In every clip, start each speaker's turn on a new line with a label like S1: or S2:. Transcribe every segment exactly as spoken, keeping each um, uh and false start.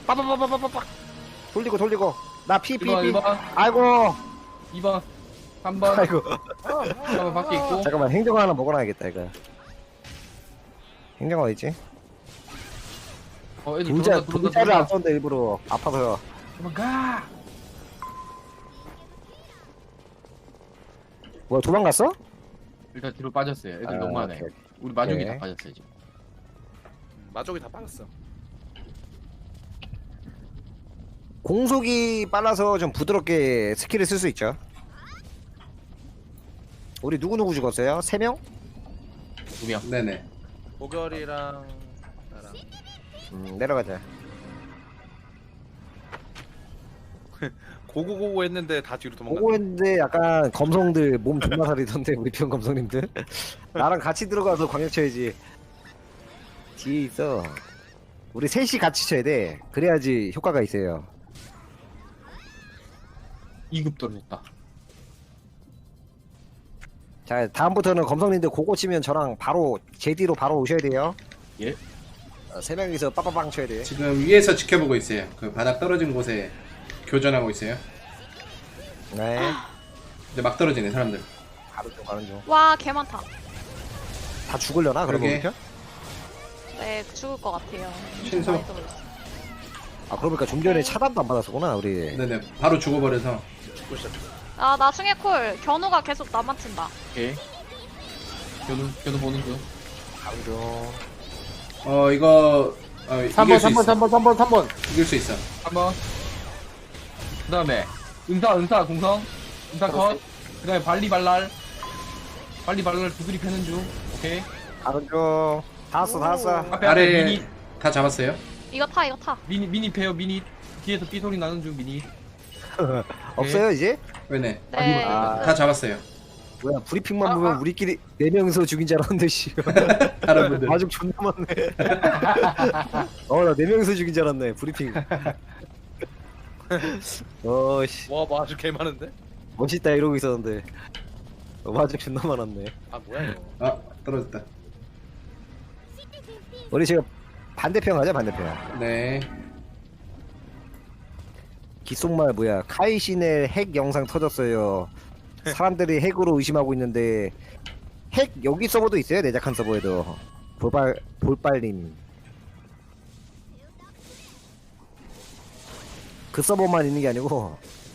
S1: 빠바바바바바박.
S2: 돌리고 돌리고. 나 피 피 피.
S3: 일 번
S2: 아이고.
S3: 이 번 삼 번
S2: 아이고.
S3: 삼 번 밖에 있고.
S2: 잠깐만 행정어 하나 먹어놔야겠다 이거. 행정어 어딨지?
S3: 어 애들
S2: 분자
S3: 들어온다 들어온다
S2: 분자를 안
S3: 들어온다.
S2: 썼는데 일부러 아파서요.
S3: 도망가.
S2: 뭐야 도망갔어?
S3: 일단 뒤로 빠졌어요. 애들
S2: 아,
S3: 너무 많아요.
S2: 오케이.
S3: 우리 마중이
S2: 오케이.
S3: 다 빠졌어요 지금.
S1: 마족이 다 빠졌어.
S2: 공속이 빨라서 좀 부드럽게 스킬을 쓸 수 있죠. 우리 누구누구 죽었어요? 세 명?
S3: 두 명.
S4: 네네.
S1: 고결이랑 나랑.
S2: 음, 내려가자.
S1: 고고고고 했는데 다 뒤로 도망갔어.
S2: 보고 했는데 약간 검성들 몸 존나 살이던데 우리 편 검성님들. 나랑 같이 들어가서 광역 쳐야지. 뒤에 있어. 우리 셋이 같이 쳐야 돼. 그래야지 효과가 있어요.
S3: 이 급 떨어졌다.
S2: 자 다음부터는 검성님들 고고 치면 저랑 바로 제 뒤로 바로 오셔야 돼요.
S3: 예.
S2: 어, 세 명이서 빠빠빵 쳐야 돼.
S4: 지금 위에서 지켜보고 있어요. 그 바닥 떨어진 곳에 교전하고 있어요.
S2: 네.
S4: 이제 막 떨어지네 사람들.
S2: 가는 중 가는 중.
S5: 와, 개 많다.
S2: 다 죽으려나 그러면
S4: 그러게.
S2: 우리 편?
S5: 네, 죽을 것 같아요.
S4: 신속.
S5: 많이 떨어졌어.
S2: 아 그러니까 좀 전에 차단도 안 받았었구나 우리.
S4: 네네. 바로 죽어버려서.
S1: 죽고 시작했어.
S5: 아, 나중에 콜. 견우가 계속 나만 친다.
S3: 오케이. 견우 견우 보는 중.
S2: 가는 중.
S4: 어 이거 어,
S6: 삼
S4: 이길
S6: 번
S4: 수
S6: 삼 번
S4: 있어.
S6: 삼 번 삼 번 삼 번
S4: 이길 수 있어.
S3: 한 번. 그 다음에 은사 은사 공성 은사 컷. 그 다음에 발리발랄 발리발랄 두드리 패는 중. 오케이.
S2: 가는 중. 다 왔어 다 왔어.
S3: 앞에 앞에
S4: 아래
S3: 미니
S4: 다 잡았어요.
S5: 이거 타, 이거 타.
S3: 미니 미니 패요 미니. 뒤에서 삐 소리 나는 중 미니.
S2: 없어요 이제?
S4: 왜네?
S5: 네.
S2: 아.
S4: 다 잡았어요.
S2: 뭐야 브리핑만
S3: 아,
S2: 보면
S3: 아.
S2: 우리끼리 네 명이서 죽인 줄 알았는데 씨.
S4: 다른 분들.
S2: 마중 존나 많네. 어나 네 명이서 죽인 줄 알았네 브리핑. 어씨
S1: 와 마족 개 많은데?
S2: 멋있다 이러고 있었는데 어, 마중 존나 많았네.
S1: 아 뭐야 이거?
S4: 아 떨어졌다.
S2: 우리 지금 반대편 가자 반대편.
S4: 네.
S2: 귓속말 뭐야 카이신의 핵 영상 터졌어요. 사람들이 핵으로 의심하고 있는데 핵 여기 서버도 있어요 내작한 서버에도. 볼빨 볼빨님 그 서버만 있는 게 아니고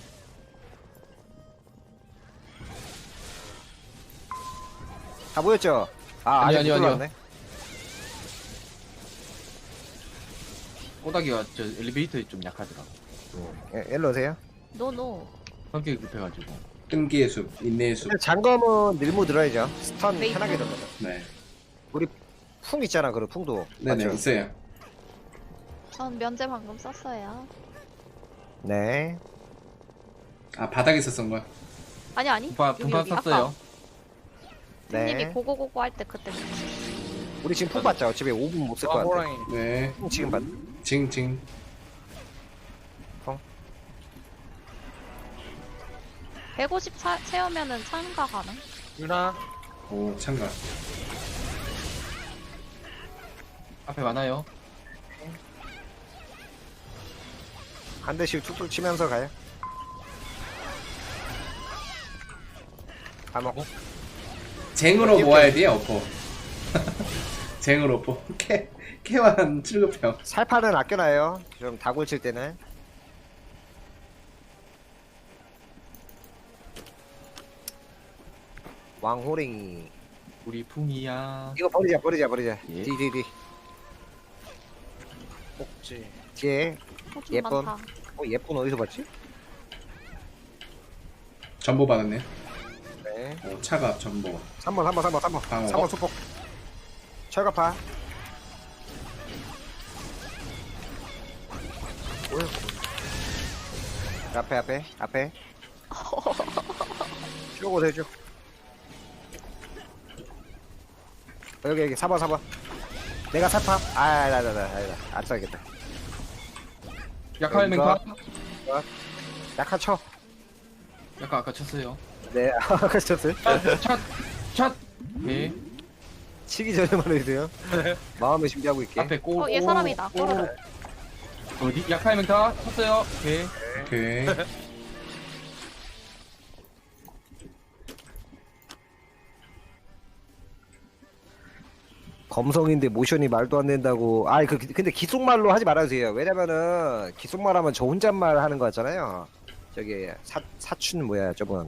S2: 다 보였죠? 아
S3: 아니요,
S2: 아직 못
S3: 아니요,
S2: 들어왔네.
S3: 꼬다기가 저 엘리베이터에 좀 약하더라고.
S2: 예, 일로 오세요.
S5: 노노.
S3: 성격이 급해가지고.
S4: 끈기의 숲, 인내의 숲.
S2: 근데 장검은 밀무 들어야죠. 스턴
S5: 웨이브.
S2: 편하게 들어가.
S4: 네.
S2: 우리 풍 있잖아 그 풍도.
S4: 네네
S2: 맞죠?
S4: 있어요.
S5: 전 면제 방금 썼어요.
S2: 네.
S4: 아 바닥에서 쓴 거야.
S5: 아니, 아니.
S3: 분파
S5: 여기,
S3: 분파
S5: 여기.
S3: 썼어요.
S5: 아까
S2: 네.
S5: 님이 고고고고 할 때 그때.
S2: 우리 지금 풍 봤죠? 어차피 오 분 못 쓸
S1: 와
S2: 것 같아.
S1: 호랑이.
S4: 네.
S2: 풍 지금 봤.
S4: 징징.
S5: 백오십 차, 채우면은 참가 가능?
S1: 유나.
S4: 오 참가.
S3: 앞에 많아요.
S2: 한 대씩 툭툭 치면서 가요. 다 먹고.
S4: 쟁으로 모아야 돼 어포. 쟁으로 어포. 캐 캐완 칠급형.
S2: 살파는 아껴놔요. 좀 다골 칠 때는. 왕호랭이.
S3: 우리 풍이야.
S2: 이거 버리자 버리자 버리자.
S3: 예.
S2: 뒤뒤뒤
S1: 꼭지.
S2: 뒤에.
S5: 어, 좀
S2: 예쁜.
S5: 많다.
S2: 어 예쁜 어디서 봤지?
S4: 전보 받았네.
S2: 네.
S4: 오 차갑 전보.
S2: 삼 번 삼 번 삼 번 삼 번
S4: 방어.
S2: 삼 번 수폭. 철갑파. 뭐야? 앞에 앞에 앞에. 쭉 오세요 쭉. 어, 여기 여기 사 번 사 번. 내가 살파. 아나나나 아니다 안 써야겠다.
S3: 약할
S2: 뭔가?
S3: 맹파.
S2: 약한 쳐.
S3: 약간 아까 쳤어요.
S2: 네 아까 쳤어요.
S3: 첫 첫. 네.
S2: 치기 전에만 해주세요. 마음의 준비하고 있게.
S3: 앞에 꼬.
S5: 어, 얘 사람이다. 꼬르륵.
S3: 어디? 약하의 맹타 쳤어요. 오케이.
S4: 오케이.
S2: 검성인데 모션이 말도 안 된다고. 아, 그 근데 기속말로 하지 말아주세요. 왜냐면은 기속말 하면 저 혼잣말 하는 거 같잖아요. 저기 사 사춘 뭐야 저분.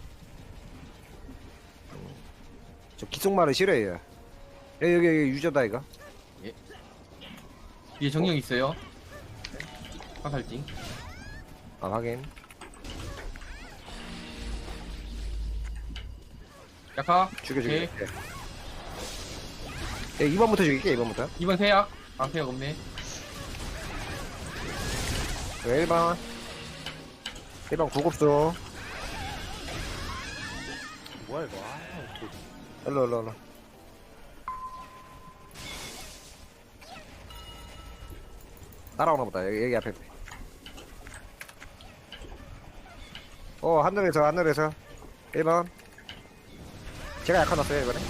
S2: 음, 저 기속말을 싫어해요. 여기 여기, 여기 유저다 이거.
S3: 뒤에 정령 있어요. 화살징.
S2: 아 확인.
S3: 약하.
S2: 죽여 죽여.
S3: 오케이.
S2: 네, 이 번부터 죽일게 이 번부터.
S3: 이번 세약. 아 세약 없네.
S2: 일 번. 일 번 구급수.
S1: 뭐야 이거? 아, 어떡해.
S2: 일로 일로 일로. 따라오나 보다. 여기, 여기 앞에. 어 하늘에서 하늘에서 일 번. 제가 약한 넣었어요 이번에.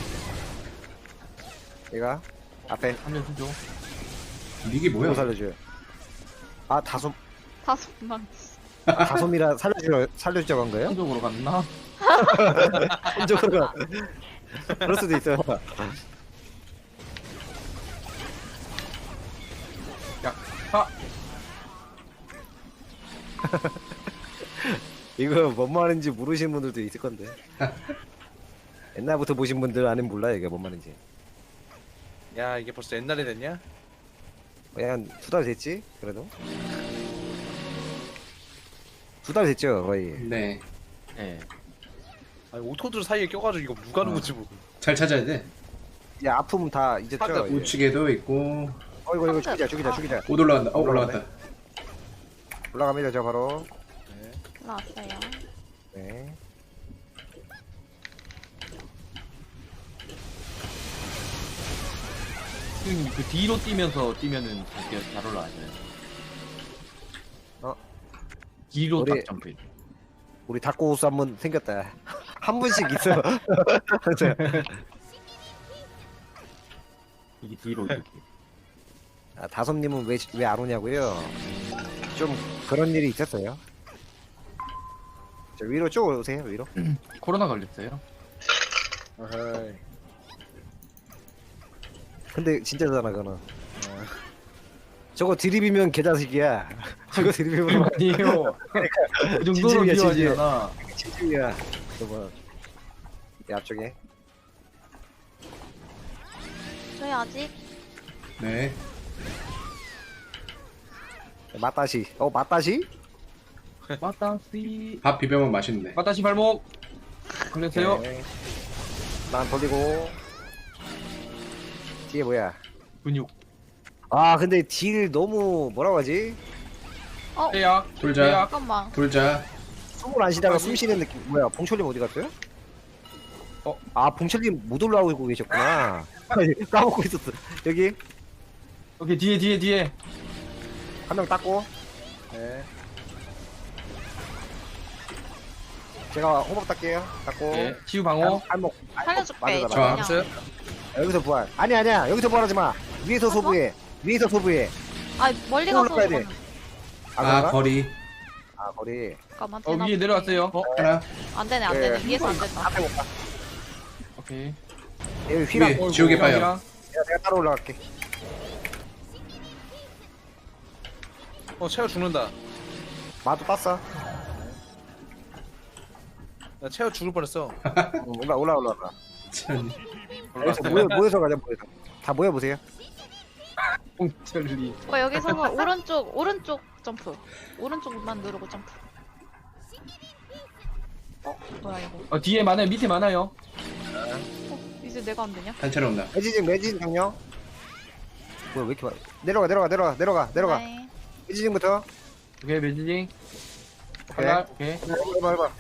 S2: 얘가 앞에
S3: 한명 수죠.
S4: 이게
S2: 뭐야
S4: 뭐야?
S2: 살려줘요. 아 다솜
S5: 다섯만.
S2: 아, 다솜이라 살려주려 살려주자고 한 거예요?
S3: 한쪽으로 갔나?
S2: 한쪽으로 그럴 수도 있어요.
S3: 약하.
S2: 이거 뭔 말인지 모르시는 분들도 있을 건데. 옛날부터 보신 분들 아는 몰라 이게 뭔 말인지.
S1: 야 이게 벌써 옛날에 됐냐?
S2: 그냥 두 달 됐지 그래도. 두 달 됐죠 거의.
S4: 네.
S3: 예.
S1: 아니 오토들 사이에 껴가지고 이거 누가 누구지 뭐.
S4: 잘 찾아야 돼.
S2: 이제 아픔 다 잊었죠.
S1: 하다
S2: 이제.
S4: 우측에도 있고.
S2: 어 이거 이거 죽이자 죽이자 죽이자.
S4: 못 올라간다. 어 올라갔다.
S2: 올라갑니다 저 바로.
S1: 네.
S5: 나왔어요.
S2: 네.
S3: 형님 그 뒤로 뛰면서 뛰면은 되게 잘 올라가요.
S2: 어?
S3: 뒤로
S2: 우리-
S3: 딱 점프.
S2: 우리 닭고우스 한 번 생겼다. 한 분씩 있어.
S3: 이게 뒤로 이렇게.
S2: 아, 다솜님은 왜 왜 안 오냐고요? 좀 그런 일이 있었어요. 저 위로 쭉 오세요 위로.
S3: 코로나 걸렸어요.
S1: 어헤이.
S2: 근데 진짜잖아 그거는. 저거 드립이면 개자식이야. 저거 드립이면
S3: 아니에요. 그 정도로
S2: 진심이야,
S3: 비하지
S2: 진심.
S3: 않아.
S2: 진심이야. 저거. 내 앞쪽에.
S5: 저희 아직
S4: 네.
S2: 맞다시. 어 맞다시?
S3: 마따시.
S4: 밥 비벼면 맛있는데.
S3: 마따시 발목. 걸렸어요.
S2: 오케이. 난 돌리고. 뒤에 뭐야?
S3: 근육.
S2: 아 근데 딜 너무 뭐라고 하지?
S5: 어
S3: 세약.
S4: 돌자.
S3: 세약.
S5: 잠깐만.
S4: 돌자.
S2: 숨을 안 쉬다가 숨 쉬는 느낌. 뭐야? 봉철님 어디 갔어요? 어? 아 봉철님 못 올라오고 계셨구나. 까먹고 있었어. 여기
S3: 오케이 뒤에 뒤에 뒤에.
S2: 한 명 닦고
S1: 네.
S2: 제가 호박 닦게요. 닦고.
S3: 예. 치유 방어.
S2: 한목
S5: 살려줄게.
S2: 맞아, 맞아.
S4: 좋아.
S1: 알았어요?
S2: 여기서 부활. 아니 아니야. 여기서 부활하지 마. 위에서 소부해. 위에서 소부해.
S5: 아 멀리 가서
S2: 올라가야 돼.
S5: 저거는.
S2: 아,
S4: 아
S2: 그런가?
S4: 거리.
S2: 아 거리.
S5: 잠깐만.
S3: 어
S5: 되나
S3: 위에
S5: 보네.
S3: 내려왔어요. 어.
S4: 하나.
S5: 안 되네 안
S2: 예.
S5: 되네. 위에서 안 된다.
S2: 앞에 못 가.
S3: 오케이.
S2: 여기 휘랑.
S4: 위에 지옥의 파요.
S3: 형이랑.
S2: 내가, 내가 따로 올라갈게.
S1: 어 채워 죽는다.
S2: 마도 땄어.
S1: 나 채워 죽을 뻔했어.
S2: 응, 올라 올라 올라. 올라.
S4: 참.
S2: 여기서 모여 모여서 가자 모여서. 다 모여 보세요.
S3: 홍철리.
S5: 어 여기서는 오른쪽 오른쪽 점프. 오른쪽만 누르고 점프. 어 뭐야 이거?
S3: 어 뒤에 많아요. 밑에 많아요.
S5: 어 이제 내가 안 되냐?
S4: 단체로 온다.
S2: 매지징 매지징 정령. 뭐야 왜 이렇게 많아? 내려가 내려가 내려가 내려가 내려가.
S5: 네.
S2: 매지징부터.
S3: 오케이 매지징.
S2: 오케이.
S3: 칼날. 오케이.
S2: 해봐 해봐.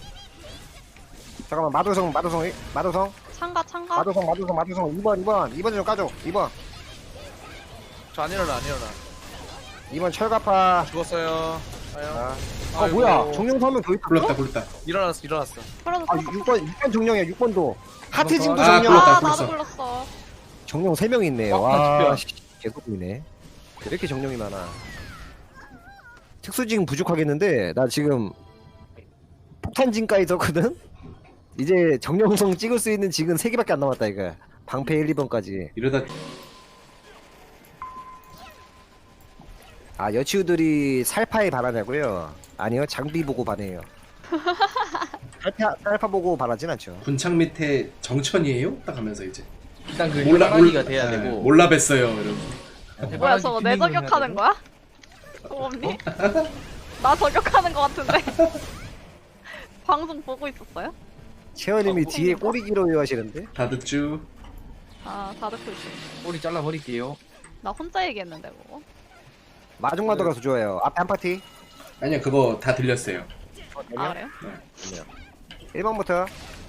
S2: 잠깐만 마도성 마도성 마도성
S5: 창가 창가.
S2: 마도성 마도성 마도성 이 번 이 번 이 번 좀 까줘. 이 번
S1: 저 안 일어나 안 일어나.
S2: 이 번 철갑파.
S1: 죽었어요. 아유.
S2: 아, 어
S1: 아이고.
S2: 뭐야 정령 서면 더 있다.
S4: 불렀다 불렀다.
S1: 일어났어 일어났어.
S5: 풀어서
S2: 아 육 번 육 번 정령이야 육 번도. 하트징도
S3: 아,
S2: 정령.
S4: 불렀다,
S5: 아
S4: 불렀어.
S5: 나도 불렀어.
S2: 정령 세 명 있네.
S3: 어,
S2: 와
S3: 아,
S2: 씨, 개소리네. 왜 이렇게 정령이 많아? 특수징 부족하겠는데 나 지금 폭탄징까지 썼거든? 이제 정령성 찍을 수 있는 징은 세 개밖에 안 남았다 이거. 방패 일, 이 번까지.
S4: 이러다
S2: 아 여치우들이 살파에 반하냐고요? 아니요 장비 보고 반해요. 살파, 살파 보고 반하진 않죠.
S4: 군창 밑에 정천이에요? 딱 하면서 이제
S3: 일단 그
S4: 몰라
S3: 해바라기가
S4: 몰-
S3: 돼야
S4: 네,
S3: 되고.
S4: 몰라 뵀어요 이러면서.
S5: 뭐야
S3: 해바라기
S5: 저거
S3: 튜닝을
S5: 내 저격하는
S3: 해야
S5: 거야? 소범님? 나 저격하는 거 같은데 방송 보고 있었어요?
S2: 채원님이
S5: 어,
S2: 뒤에
S5: 어,
S2: 꼬리기로 하시는데?
S4: 다 듣죠.
S5: 아 다 듣고 있어.
S3: 되고. 꼬리 잘라 버릴게요.
S5: 나 혼자 얘기했는데 뭐.
S2: 마중마도 가서 좋아요. 앞에 한 파티.
S4: 아니요 그거 다 들렸어요.
S5: 아 그래요?
S2: 일 번부터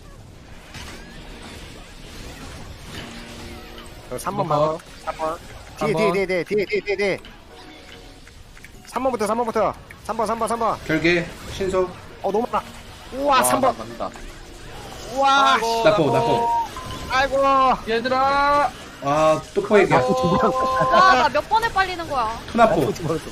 S2: 삼 번 막어. 삼 번. 뒤에
S3: 삼
S2: 뒤에
S3: 번.
S2: 뒤에 뒤에 뒤에 뒤에 뒤에 뒤에. 삼 번부터 삼 번부터. 삼 번 삼 번 삼 번.
S4: 결계 신속
S2: 어 너무 많아. 우와 삼 번.
S3: 간다.
S2: 우와.
S1: 아이고,
S4: 나포 나포.
S2: 아이고.
S3: 얘들아.
S4: 아 또포에게
S5: 와나 몇 번에 빨리는 거야?
S4: 투나포.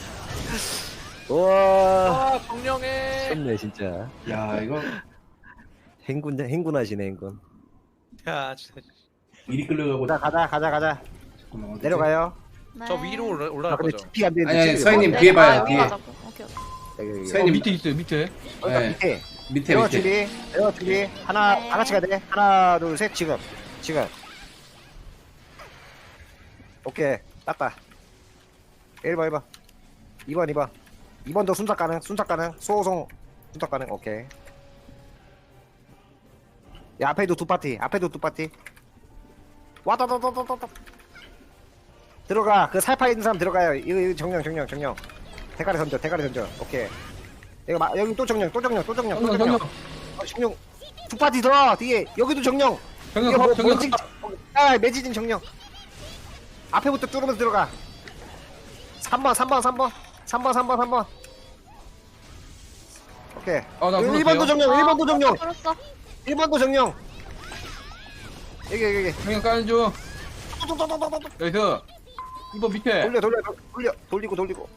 S2: 우와.
S1: 아 정령해.
S2: 좋네 진짜.
S4: 야 이거
S2: 행군 행군하시네 행군.
S1: 야 진짜.
S4: 이리 끌려가고.
S2: 가자 가자 가자 가자.
S4: 잠깐만, 어디지?
S2: 내려가요.
S5: 네.
S1: 저 위로 올라,
S2: 아
S1: 올라갈
S2: 근데
S1: 거죠.
S2: 피 안 되는데.
S4: 아니, 아니,
S2: 지금
S4: 서현님
S2: 뭐-
S4: 뒤에 봐요,
S5: 아, 여기
S4: 뒤에.
S5: 가자고. 오케이 오케이.
S2: 여기, 여기.
S3: 어,
S4: 서현님
S3: 밑에 있어요 밑에.
S2: 그러니까
S4: 네.
S2: 밑에.
S4: 밑에
S2: 내가
S4: 밑에.
S2: 준비. 내가 준비. 하나
S5: 네.
S2: 다 같이 가야 돼. 하나 둘 셋 지금. 지금. 오케이 땄다. 일 번 일 번. 이 번 이 번. 이 번도 순삭 가능. 순삭 가능. 소송 순삭 가능. 오케이. 야 앞에도 두 파티. 앞에도 두 파티. 와다다다다다. 들어가. 그 살파 있는 사람 들어가요. 이거, 이거 정령 정령 정령. 대가리 던져. 대가리 던져. 오케이. 이거 마, 여기 또 정령 또 정령 또 정령 또
S3: 정령
S2: 정령.
S3: 정령.
S2: 어, 정령 두 파티 더 뒤에 여기도 정령.
S3: 정령
S2: 이거 뭐,
S3: 컷, 정령
S2: 뭔지
S3: 컷.
S2: 아 매지진 정령. 앞에부터 뚫으면서 들어가. 삼 번 삼 번 삼 번 삼 번 삼 번 삼 번. 오케이.
S3: 아, 나
S2: 일 번도
S3: 불렀어요.
S2: 정령 일 번도 정령
S5: 풀었어.
S2: 일 번도 정령. 여기 여기 여기.
S3: 정령 까는 중. 여기서 이번 밑에.
S2: 돌려 돌려 돌려 돌리고 돌리고.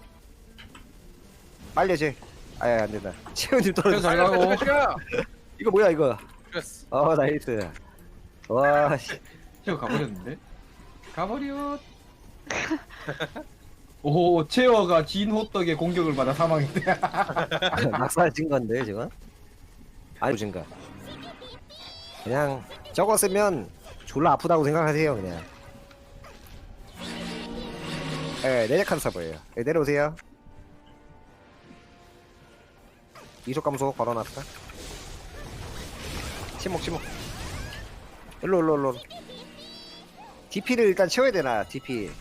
S2: 빨려 쟤. 아예 안 된다. 채훈님 떨어져.
S3: 잘 가고.
S2: 이거 뭐야 이거.
S1: 그랬어.
S2: 어 나이스. 와 씨.
S3: 체어 가버렸는데? 가버려. 오, 체어가 진 호떡의 공격을 받아 사망했대.
S2: 낙사진 건데 지금? 아니 진가. 그냥 저거 쓰면 졸라 아프다고 생각하세요 그냥. 예, 내작한 서버예요. 예, 내려오세요. 이속 감소 걸어놨다. 침묵 침묵. 일로 일로 일로. 디피를 일단 채워야 되나 디피.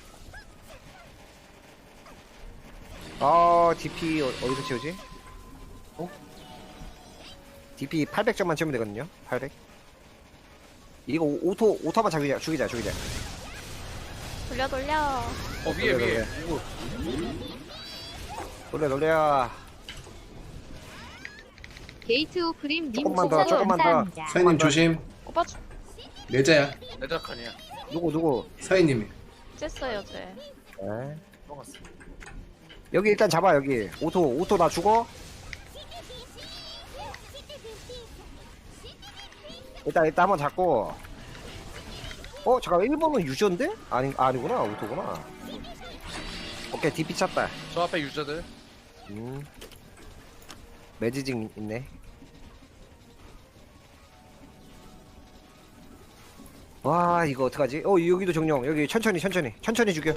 S2: 어 디피 어, 어디서 채우지?
S3: 어?
S2: 디피 팔백 점만 채우면 되거든요. 팔백. 이거 오- 오토 오토만 죽이자 죽이자 죽이자.
S5: 돌려 돌려.
S1: 어 위에 위에. 오,
S2: 돌려 돌려.
S6: 게이트 오프림 님
S2: 조금만 더,
S6: 추천
S2: 조금만 더.
S6: 감사합니다.
S4: 서현님 조심.
S5: 오빠 주-
S4: 내자야.
S1: 내작하냐.
S2: 누구 누구?
S4: 서현님이.
S5: 쬐어요 쟤.
S2: 네.
S1: 먹었어.
S2: 여기 일단 잡아 여기. 오토 오토 나 죽어. 일단 일단 한번 잡고. 어 잠깐 일 번은 유저인데? 아니 아니구나 오토구나. 오케이 디피 찼다.
S1: 저 앞에 유저들.
S2: 음. 매지징 있네. 와 이거 어떡하지? 어 여기도 정령 여기 천천히 천천히 천천히 죽여.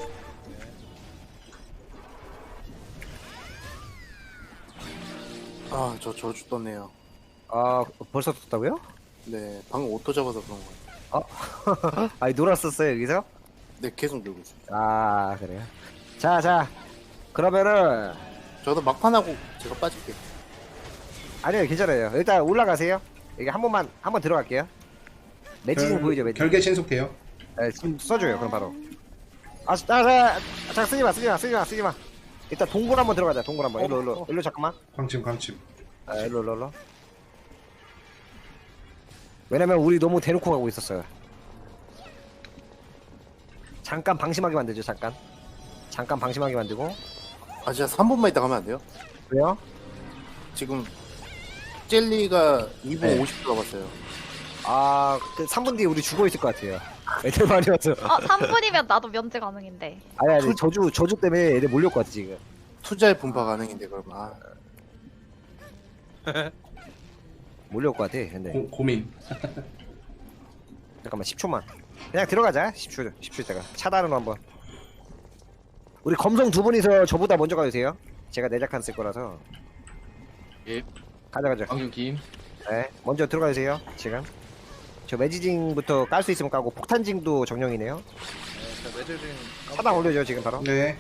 S7: 아, 저 저주 떴네요.
S2: 아 벌써 떴다고요?
S7: 네, 방금 오토 잡아서 그런 거예요.
S2: 아니 놀았었어요 여기서?
S7: 네, 계속 들고 있어요.
S2: 아 그래요? 자자 그러면은
S7: 저도 막판하고 제가 빠질게요.
S2: 아니요 괜찮아요. 일단 올라가세요. 여기 한 번만 한 번 들어갈게요. 매지징
S4: 결-
S2: 보이죠 매지징?
S4: 결계 신속돼요.
S2: 네, 지금 써줘요 그럼 바로. 아, 자, 자, 자, 쓰지마 쓰지마 쓰지마 쓰지마. 일단 동굴 한번 들어가자. 동굴 한번. 일로 일로 일로 잠깐만.
S4: 광침 광침.
S2: 아, 일로 일로 일로. 왜냐면 우리 너무 대놓고 가고 있었어요. 잠깐 방심하게 만들죠 잠깐. 잠깐 방심하게 만들고.
S7: 아, 진짜 삼 분만 있다 가면 안 돼요?
S2: 왜요?
S7: 지금 젤리가 이 분
S2: 네.
S7: 오십 초 남았어요.
S2: 아, 그 삼 분 뒤에 우리 죽어 있을 것 같아요. 애들 많이 와서.
S5: 아 삼 분이면 나도 면제 가능인데.
S2: 아니, 아니, 저주, 저주 때문에 애들 몰려올 것 같아, 지금.
S7: 투자의 분파 가능인데 그럼 아
S2: 몰려올 것 같아, 근데.
S4: 고, 고민.
S2: 잠깐만, 십 초만. 그냥 들어가자, 십 초, 십 초 있다가. 차단으로 한번. 우리 검성 두 분이서 저보다 먼저 가주세요. 제가 내작한 쓸 거라서.
S3: 예.
S2: 가자, 가자.
S3: 방금 김.
S2: 네, 먼저 들어가주세요, 지금. 저 매지징부터 깔 수 있으면 까고, 폭탄징도 정령이네요.
S1: 네, 자, 매질링
S2: 차단 올려줘, 지금 바로.
S4: 네.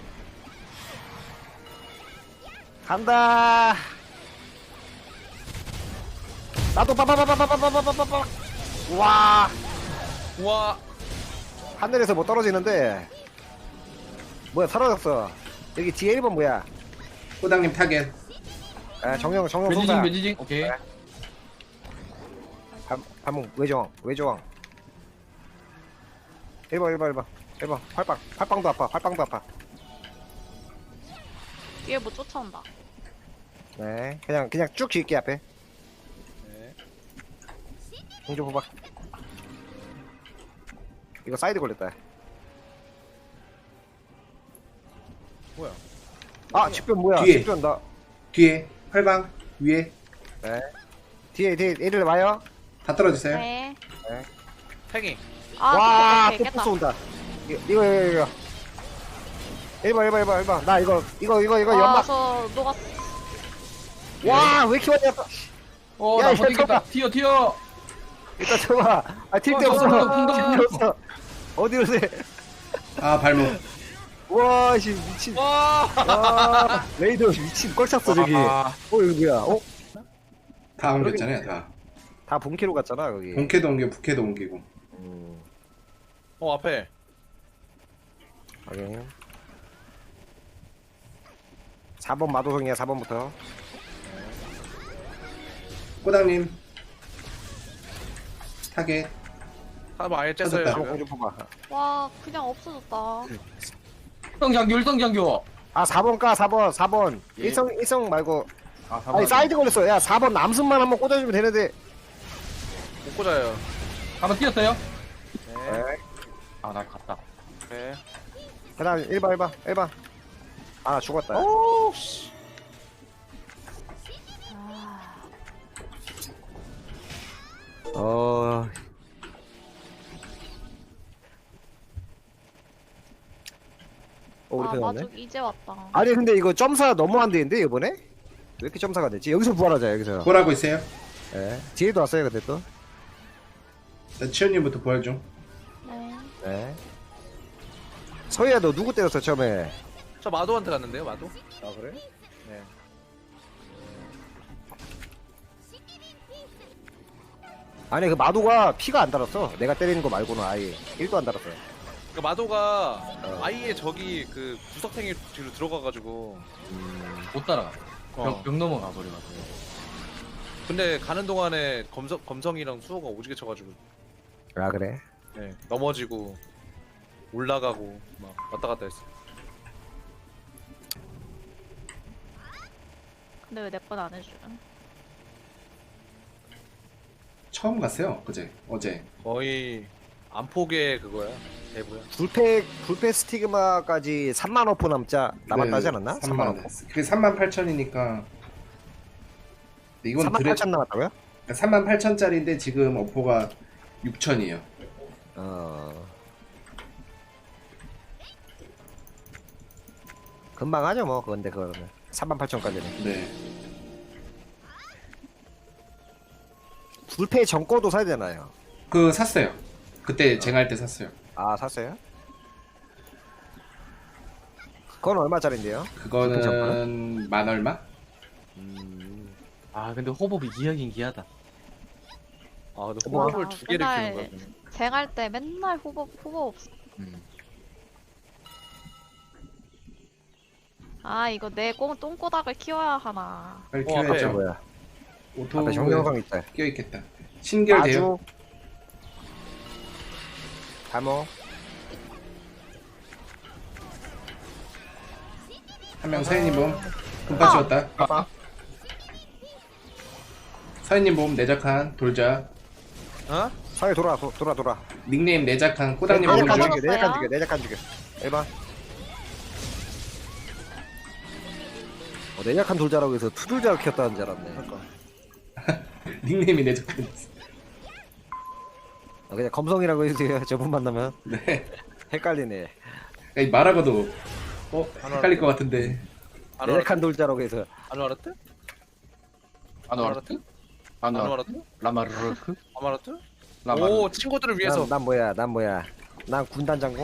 S2: 간다. 나도 빠바바바바바바바바바. 와,
S1: 우와.
S2: 하늘에서 뭐 떨어지는데. 뭐야, 사라졌어. 여기 뒤에 일 번 뭐야?
S4: 호당님 타겟.
S2: 아, 정령, 정령
S3: 매지징
S2: 쏜다.
S3: 매지징. 오케이.
S2: 네. 반, 반문, 외조왕, 외조왕. 일 번, 일 번, 일 번. 일 번, 활빵. 활빵도 아파, 활빵도 아파.
S5: 뒤에 뭐 쫓아온다.
S2: 네, 그냥, 그냥 쭉 지을게, 앞에.
S1: 네.
S2: 공조 호박. 이거 사이드 걸렸다.
S1: 뭐야?
S2: 아, 집변 뭐야?
S4: 뒤에.
S2: 집변 나.
S4: 뒤에 활방 위에
S2: 네. 뒤에, 뒤에, 얘들 와요?
S4: 다 떨어지세요.
S5: 네.
S1: 팽이.
S5: 아
S2: 와,
S5: 또
S2: 또
S5: 깼다.
S2: 부스 온다. 이거, 이거, 이거, 이거. 일 번, 일 번, 일 번, 일 번. 나 이거, 이거, 이거, 이거 연막.
S5: 아저 녹았.
S2: 와, 왜 이렇게 많이 왔다.
S3: 어,
S2: 야,
S3: 나
S2: 이거
S3: 버티겠다.
S2: 잠깐만.
S3: 튀어, 튀어.
S2: 일단 쳐봐. 아, 튈 데
S3: 어,
S2: 없어.
S3: 저, 저, 저, 저,
S2: 튈데 없어. 어디로 세?
S4: 아 발목.
S2: 와, 씨, 미친.
S1: 와.
S2: 와, 레이더 미친. 꼴 찼어, 저기. 어,
S3: 아,
S2: 여기 뭐야? 어?
S4: 다 옮겼잖아요. 다.
S2: 다 본캐로 갔잖아, 거기.
S4: 본캐도 옮기고 북캐도 옮기고.
S2: 음,
S1: 어 앞에.
S2: 확인. 사 번 마도성이야, 사 번부터.
S4: 호당님 타겟.
S1: 한번 아예 쬐어요.
S4: 찾았다.
S2: 사 번
S1: 지금.
S2: 공주 뽑아.
S5: 와 그냥 없어졌다.
S3: 일성장교, 일성장교.
S2: 아, 사 번 까, 사 번, 사 번.
S3: 예.
S2: 일성, 일성 말고.
S3: 아, 사
S2: 아니, 사이드 걸렸어. 야, 사 번 남순만 한번 꽂아주면 되는데.
S1: 못 꽂아요.
S3: 한번 뛰었어요?
S1: 네.
S2: 네.
S3: 아, 나 갔다.
S1: 네.
S2: 그 다음 일 번, 일 번, 일 번. 아, 죽었다.
S1: 오 씨.
S5: 아,
S2: 어. 어, 우리
S5: 아
S2: 편 왔네.
S5: 마죽 이제 왔다.
S2: 아니, 근데 이거 점사 너무 안 되는데, 이번에? 왜 이렇게 점사가 됐지? 여기서 부활하자, 여기서.
S4: 부활하고 있어요.
S2: 예. 뒤에도 왔어요, 근데 또.
S4: 자, 치현님부터 부활 중.
S5: 네.
S2: 네. 서희야, 너 누구 때렸어, 처음에?
S1: 저 마도한테 갔는데요, 마도.
S2: 아, 그래?
S1: 네.
S2: 아니, 그 마도가 피가 안 달았어. 내가 때리는 거 말고는 아예 일도 안 달았어요.
S1: 그러니까 마도가
S2: 어.
S1: 아예 저기 그 구석탱이 뒤로 들어가가지고.
S3: 못 따라가.
S1: 어.
S3: 벽, 벽 넘어가 버려가지고.
S1: 근데 가는 동안에 검성 검성이랑 수호가 오지게 쳐가지고.
S2: 아, 그래?
S1: 네. 넘어지고 올라가고 막 왔다 갔다 했어.
S5: 근데 왜 내 건 안 해줘?
S4: 처음 갔어요. 그제 어제.
S1: 거의 안폭의 그거야. 대부야.
S2: 불패, 불패 스티그마까지 삼만 오프 남자 남았다 하지 않았나?
S4: 네, 삼만 원. 그게 삼만 팔천이니까. 이건
S2: 삼만
S4: 드레
S2: 팔천 남았다고요?
S4: 삼만 팔천짜리인데 지금 어포가 육천이에요.
S2: 어. 금방 하죠, 뭐. 근데 그거는. 삼만 팔천까지는.
S4: 네.
S2: 불패 전거도 사야 되나요?
S4: 그 샀어요. 그때 쟁할 때 샀어요.
S2: 아, 샀어요? 그건 얼마짜린데요?
S4: 그거는 만 얼마?
S2: 음.
S3: 아, 근데 호법이 기하긴 기하다.
S1: 아, 근데
S2: 뭐?
S1: 호흡을 두 개를
S5: 맨날
S1: 키는 거야.
S5: 쟁할 때 맨날 후보 후보 없어.
S3: 음.
S5: 아 이거 내 꽁 똥꼬닥을 키워야 하나.
S4: 빨리
S1: 어,
S2: 저
S4: 키워야죠.
S2: 뭐야?
S4: 오토
S2: 앞에 정명성 있다.
S4: 껴있겠다. 신결돼요.
S2: 아주. 다모.
S4: 한 명 서현이 봄. 분파 찍었다.
S3: 아,
S4: 서현님 몸 내작한 돌자.
S1: 어?
S2: 사회 돌아 도, 돌아 돌아.
S4: 닉네임 내작한 꼬당님 몸
S2: 내작간
S4: 중.
S2: 죽여 내작간 죽여 내작간 죽여. 해봐. 어, 내작한 돌자라고 해서 투돌자를 키웠다는 줄 알았네.
S4: 닉네임이 내작한.
S2: 어, 그냥 검성이라고 해주세요. 저분 만나면
S4: 네.
S2: 헷갈리네.
S4: 아니, 말하고도 어 헷갈릴 것 같은데.
S1: 안
S2: 내작한
S1: 알았대?
S2: 돌자라고 해서
S1: 안 알았대?
S3: 아노아르트?
S1: 안
S3: 아노아르트?
S1: 알았대?
S3: 라마르르크?
S1: 안 알았대?
S3: 라마르.
S1: 오 친구들을 위해서.
S2: 난, 난 뭐야 난 뭐야 난 군단 장공.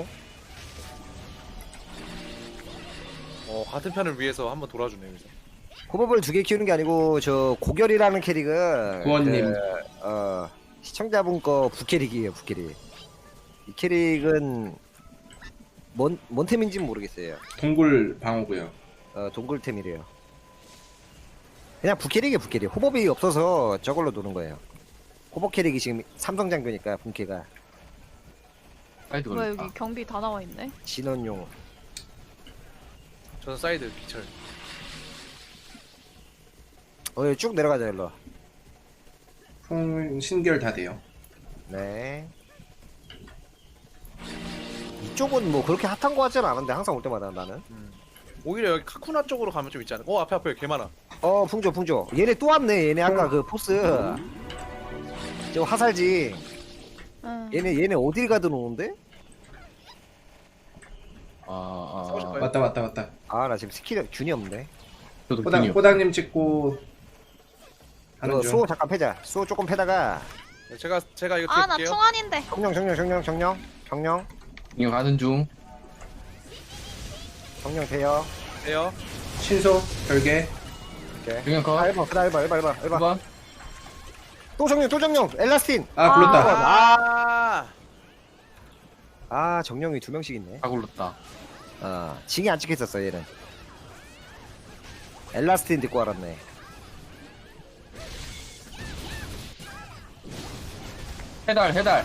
S1: 어 같은 편을 위해서 한번 돌아주네 여기서.
S2: 호법을 두 개 키우는 게 아니고 저 고결이라는 캐릭은
S4: 구원님.
S2: 그, 어 시청자분 거 부캐릭이에요 부캐릭. 이 캐릭은 뭔, 뭔 템인지는 모르겠어요.
S4: 동굴 방어고요.
S2: 어 동굴템이래요. 그냥 부캐릭이에요 부캐릭. 호법이 없어서 저걸로 노는 거예요. 호법 캐릭이 지금 삼성장교니까 본캐가
S3: 사이드
S5: 뭐야
S3: 걸렸다.
S5: 여기 경비 다 나와 있네.
S2: 진원용.
S1: 저는 사이드 기철.
S2: 어 여기 쭉 내려가자 일로.
S4: 풍 신결 다 돼요.
S2: 네. 이쪽은 뭐 그렇게 핫한 거 같지는 않은데 항상 올 때마다 나는.
S1: 음. 오히려 여기 카쿠나 쪽으로 가면 좀 있지 않을까? 어 앞에 앞에 개 많아.
S2: 어 풍조 풍조. 얘네 또 왔네. 얘네 아까 그 포스. 저 화살지.
S5: 응.
S2: 얘네 얘네 어딜 가든 오는데?
S3: 아, 아,
S1: 싸우실
S3: 아.
S1: 거예요?
S4: 왔다 왔다 왔다.
S2: 아 나 지금 스킬 균이 없네.
S3: 저도
S4: 꼬당
S3: 균이요.
S4: 꼬당님 찍고 하는
S2: 이거
S4: 중.
S2: 수호 잠깐 패자. 수호 조금 패다가
S1: 네, 제가 제가 이거
S5: 아 나
S1: 드릴게요.
S5: 충원인데.
S2: 정령 정령 정령 정령 정령
S3: 균형 가는 중.
S2: 정령 돼요.
S1: 돼요.
S4: 신소 별개.
S2: 오케이.
S3: 균형
S2: 아
S3: 컷.
S2: 일 번 그다 일 번 일 번 일 번 일 번.
S3: 일 번.
S2: 또 정령 또 정령 엘라스틴.
S4: 아 불렀다.
S1: 아.
S2: 아 정령이 두 명씩 있네.
S3: 다 굴렀다.
S2: 아 징이 안 찍혔었어 얘는. 엘라스틴 듣고 알았네.
S3: 해달, 해달.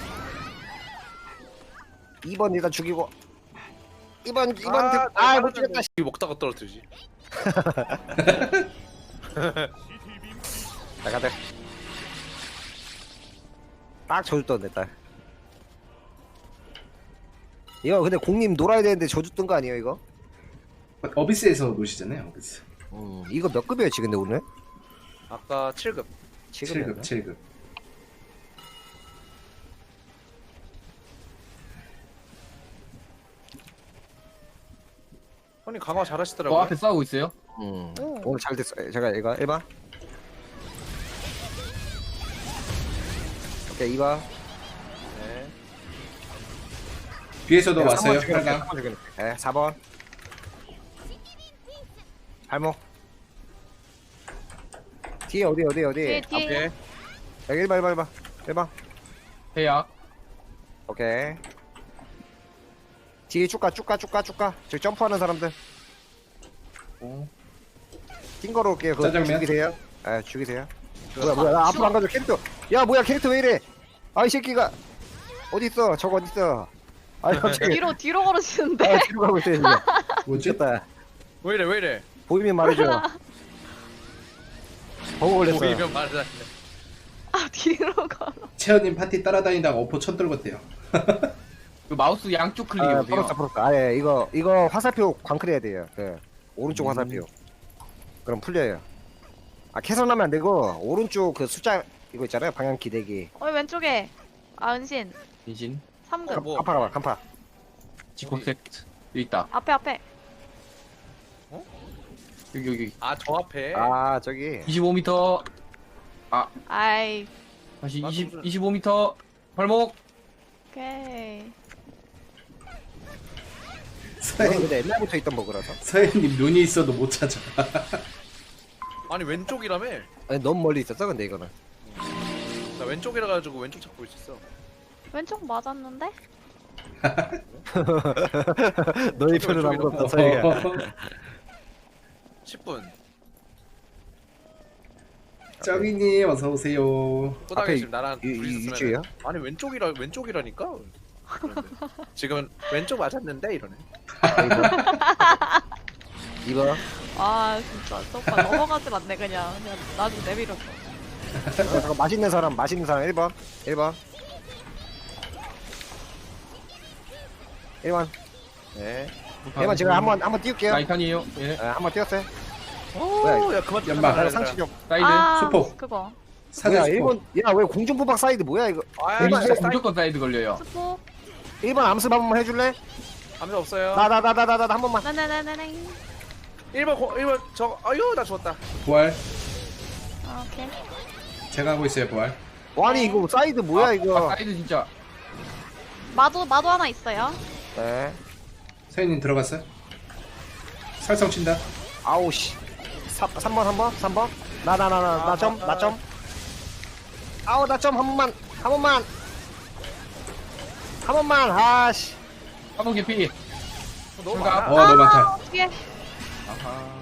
S2: 이 번 일단 죽이고 이 번 이 번
S1: 아,
S2: 아못 죽였다.
S1: 이 먹다가 떨어뜨리지.
S2: 자 가자. 딱 저주 떴네 딱. 이거 근데 공님 놀아야 되는데 저주 뜬 거 아니에요 이거?
S4: 어비스에서 노시잖아요. 어비스.
S2: 음 이거 몇 급이었지 근데 오늘?
S1: 아까 칠 급.
S2: 칠 급이었나?
S4: 칠 급 칠 급.
S1: 형님 강화
S3: 어,
S1: 잘하시더라고요.
S3: 앞에 싸우고 있어요.
S2: 음
S5: 오.
S2: 오늘 잘 됐어. 제가 이거 일 번. 오케이 이 번.
S1: 네.
S4: 뒤에서도
S2: 야,
S4: 왔어요.
S2: 삼 번 죽였네,
S4: 빨강.
S2: 삼 번 죽였네. 네, 사 번. 발목. 뒤에 어디 어디 어디?
S5: 뒤에 뒤에.
S1: 앞에.
S2: 여기 일 번 일 번 일 번. 일 번.
S3: 해약.
S2: 오케이. 뒤에 쭉가 쭉가 쭉가 쭉가. 저기 점프하는 사람들.
S3: 오.
S2: 띵 거로 올게요. 그거
S4: 짜장면?
S2: 죽이세요. 아 죽이세요. 뭐야 뭐야 나 앞으로 안 가죠 캐릭터. 야 뭐야 캐릭터 왜 이래? 아이 새끼가 어디 있어? 저거 어디 있어? 아이 갑자기.
S5: 뒤로 뒤로 걸어지는데.
S2: 아 뒤로 가고 있어요 지금.
S4: 뭐지?
S2: 미쳤다.
S1: 왜 이래 왜 이래?
S2: 보이면 말해줘. 버그 걸렸어.
S1: 보이면 말하자.
S5: 아 뒤로 걸어.
S4: 채연님 파티 따라다니다가 어퍼 천 떨궜대요.
S3: 그 마우스 양쪽
S2: 아,
S3: 클릭이요.
S2: 풀었어, 풀었어. 아, 예, 이거, 이거 화살표 광클해야 돼요. 그, 오른쪽
S4: 음.
S2: 화살표. 그럼 풀려요. 아, 캐선하면 안 되고, 오른쪽 그 숫자, 이거 있잖아요. 방향 기대기.
S5: 어 왼쪽에. 아 은신.
S3: 인신.
S5: 삼 급.
S1: 어, 뭐.
S2: 간파 가봐, 간파.
S3: 지코섹트. 여기 있다.
S5: 앞에 앞에.
S3: 여기, 여기.
S1: 아 저 앞에.
S2: 아, 저기.
S3: 이십오 미터.
S5: 아이.
S3: 다시
S1: 맞아,
S3: 이십,
S1: 무슨-
S3: 이십오 미터. 발목.
S5: 오케이.
S2: 이건
S4: 서현,
S2: 근데 옛날부터 있던 버그라서.
S4: 서현님 눈이 있어도 못 찾아.
S1: 아니 왼쪽이라며.
S2: 아니, 너무 멀리 있었어, 근데 이거는.
S1: 나 왼쪽이라 가지고 왼쪽 잡고 있었어.
S5: 왼쪽 맞았는데?
S2: 너희 편은 아무것도 없다, 서희가.
S1: 십 분.
S4: 쩌기님 어서 오세요.
S1: 꼬닥이
S2: 앞에
S1: 지금 나랑
S2: 이,
S1: 둘이
S2: 이,
S1: 있으면
S2: 유주예요?
S1: 아니 왼쪽이라 왼쪽이라니까. 그런데. 지금은 왼쪽 맞았는데 이러네.
S2: 이 번.
S5: 아 진짜 저 오빠 넘어가질 않네 그냥 그냥 나중에 내밀었어.
S2: 어, 잠깐 맛있는 사람 맛있는 사람 일 번 일 번 일 번 네 일 번 제가 한번 한번 띄울게요.
S3: 나 이칸이에요. 예.
S2: 네, 한번 띄웠어요. 뭐야,
S1: 오, 야 그만
S4: 연막.
S2: 나 상치 좀.
S3: 사이드.
S5: 아
S4: 수포.
S5: 그거
S2: 뭐야
S4: 사전
S2: 일 번
S4: 스포.
S2: 야 왜 공중부박 사이드 뭐야 이거.
S1: 아,
S2: 일반-
S1: 진짜
S3: 무조건, 무조건 사이드 걸려요.
S5: 스포.
S2: 일 번 암습 한 번만 해줄래?
S1: 감자 없어요.
S2: 나 나 나 나 나 나 한 번만.
S5: 네네네네.
S1: 일 번 고- 일 번 저 아유 나 죽었다.
S4: 부활.
S5: 아, 오케이.
S4: 제가 하고 있어요 부활.
S2: 아니 이거 사이드 뭐야
S3: 아,
S2: 이거.
S3: 아, 사이드 진짜.
S5: 마도 마도 하나 있어요.
S2: 네.
S4: 서현님 들어갔어요? 살성 친다.
S2: 아우 씨. 삼 번 한 번? 삼 번? 나 나 나 나 나 점 나 점. 아우 나 점 한 번만 한 번만 한 번만 아씨.
S3: 한번 개피.
S1: 너무
S3: 제가-
S1: 많아.
S4: 어 너무 많다.
S5: 어떻게?
S3: 아하.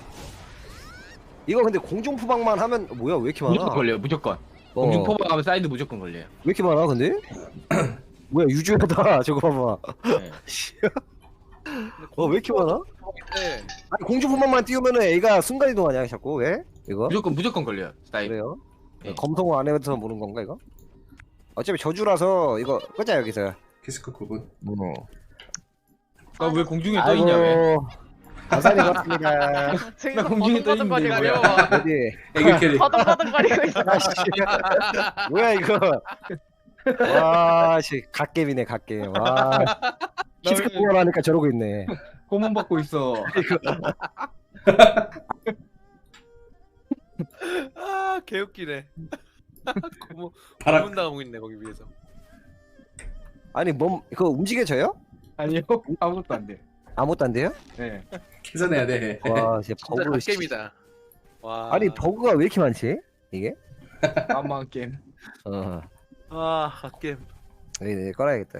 S2: 이거 근데 공중푸방만 하면 뭐야 왜 이렇게 많아?
S3: 무조건 걸려요. 무조건.
S2: 어,
S3: 공중 포박 하면 사이드 무조건 걸려요.
S2: 왜 이렇게 많아 근데? 뭐야 유주하다 저거 봐봐.
S3: 네.
S2: 어 왜 이렇게 많아?
S1: 네.
S2: 아니 공중푸방만 띄우면은 애가 순간 이동하냐 자꾸 왜? 이거?
S3: 무조건 무조건 걸려요. 사이드.
S2: 그래요?
S3: 네.
S2: 검성어 안 해서 모르는 건가 이거? 어차피 저주라서 이거 끄자 여기서.
S4: 키스크 구 분.
S2: 어.
S3: 아, 왜 공중에 떠 있냐 왜?
S2: 아이고, 감사히 고맙습니다.
S5: 저기서
S3: 나 공중에 떠 있는데,
S5: 버둥버둥거리고
S3: 뭐야.
S2: 어디?
S4: 애교 캐리.
S5: 버둥버둥거리고 있어.
S2: 아씨. 뭐야 이거? 와, 씨, 갓겜이네 갓겜. 와, 키스크
S3: 왜-
S2: 보관하니까 저러고 있네.
S3: 고문 받고 있어.
S1: 아 개웃기네. 고문
S4: 바람.
S1: 고문 당하고 있네 거기 위에서.
S2: 아니, 몸 그거 움직여져요?
S3: 아니요. 아무것도 안 돼.
S2: 아무것도 안 돼요?
S3: 네.
S4: 계산해야 돼.
S2: 와, 진짜
S1: 진짜
S2: 버그. 씨.
S1: 갓겜이다. 와.
S2: 아니 버그가 왜 이렇게 많지? 이게?
S3: 아마 게임.
S2: 어,
S1: 아 갓겜.
S2: 네, 네, 꺼놔야겠다.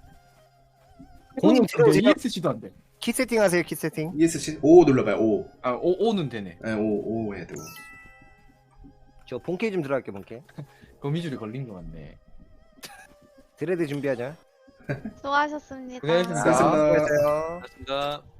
S2: 공님 들어 지금
S3: 이에스씨도 안 돼.
S2: 키 세팅하세요, 키 세팅.
S4: 이에스씨 오 눌러봐요. 오.
S3: 아, 오, 오는 되네.
S4: 네, 오, 오 해야 돼. 오.
S2: 저 본캐 좀 들어갈게 본캐.
S3: 거미줄이 걸린 것 같네.
S2: 드레드 준비하자.
S5: 수고하셨습니다.
S3: 고생하셨습니다.
S4: 수고하셨습니다.
S2: 수고했어요.
S1: 고맙습니다.